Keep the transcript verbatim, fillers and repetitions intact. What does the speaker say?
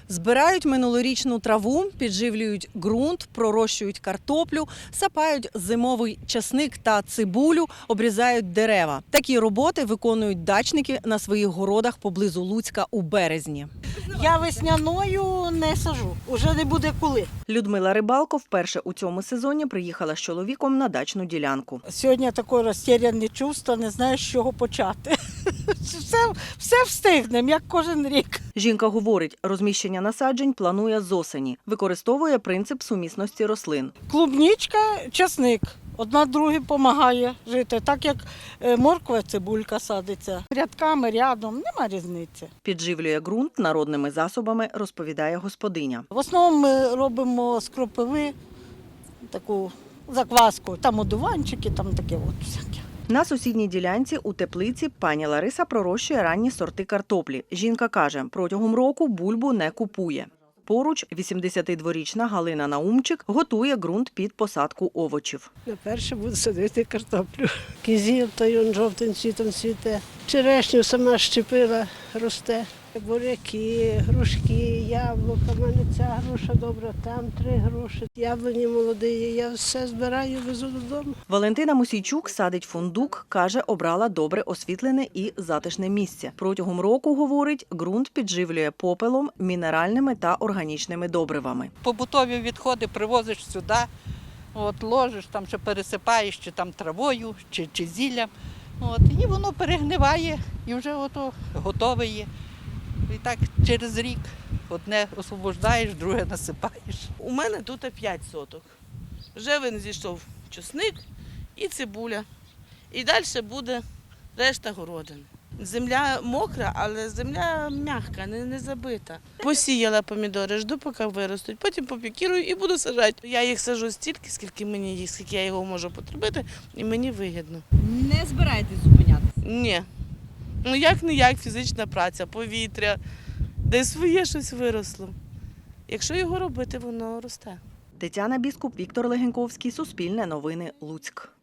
Збирають минулорічну траву, підживлюють ґрунт, пророщують картоплю, сапають зимовий часник та цибулю, обрізають дерева. Такі роботи виконують дачники на своїх городах поблизу Луцька у березні. Я весняною не сажу, уже не буде коли. Людмила Рибалко вперше у цьому сезоні приїхала з чоловіком на дачну ділянку. Сьогодні таке розтеряне чувство, не знаю, з чого почати. Все, все встигнемо, як кожен рік. Жінка говорить, розміщення насаджень планує з осені. Використовує принцип сумісності рослин. Клубничка, часник. Одна другій допомагає жити, так як морква, цибулька садиться. Рядками, рядом, нема різниці. Підживлює ґрунт народними засобами, розповідає господиня. В основному ми робимо з кропиви таку закваску, там одуванчики, там таке от всяке. На сусідній ділянці у теплиці пані Лариса пророщує ранні сорти картоплі. Жінка каже, протягом року бульбу не купує. Поруч вісімдесятидворічна Галина Наумчик готує ґрунт під посадку овочів. Наперше буду садити картоплю. Кізіл, той он жовтим цвітом цвіте. Черешню сама щепила, росте. Буряки, грушки, яблука. У мене ця груша добра, там три груші. Яблуні молоді, я все збираю, везу додому. Валентина Мусійчук садить фундук, каже, обрала добре освітлене і затишне місце. Протягом року, говорить, ґрунт підживлює попелом, мінеральними та органічними добривами. Побутові відходи привозиш сюди, от, ложиш, там ще пересипаєш чи там травою, чи, чи зіллям. От, і воно перегниває і вже ото готове є. І так через рік одне освобождаєш, друге насипаєш. У мене тут п'ять соток. Вже він зійшов чесник і цибуля. І далі буде решта городини. Земля мокра, але земля м'яка, не, не забита. Посіяла помідори, жду, поки виростуть, потім попікірую і буду саджати. Я їх саджу стільки, скільки мені їх, скільки я його можу потребити, і мені вигідно. Не збираєтесь зупинятися? Ні. Ну як не як фізична праця, повітря, де своє щось виросло. Якщо його робити, воно росте. Тетяна Біскуп, Віктор Легеньковський, Суспільне новини, Луцьк.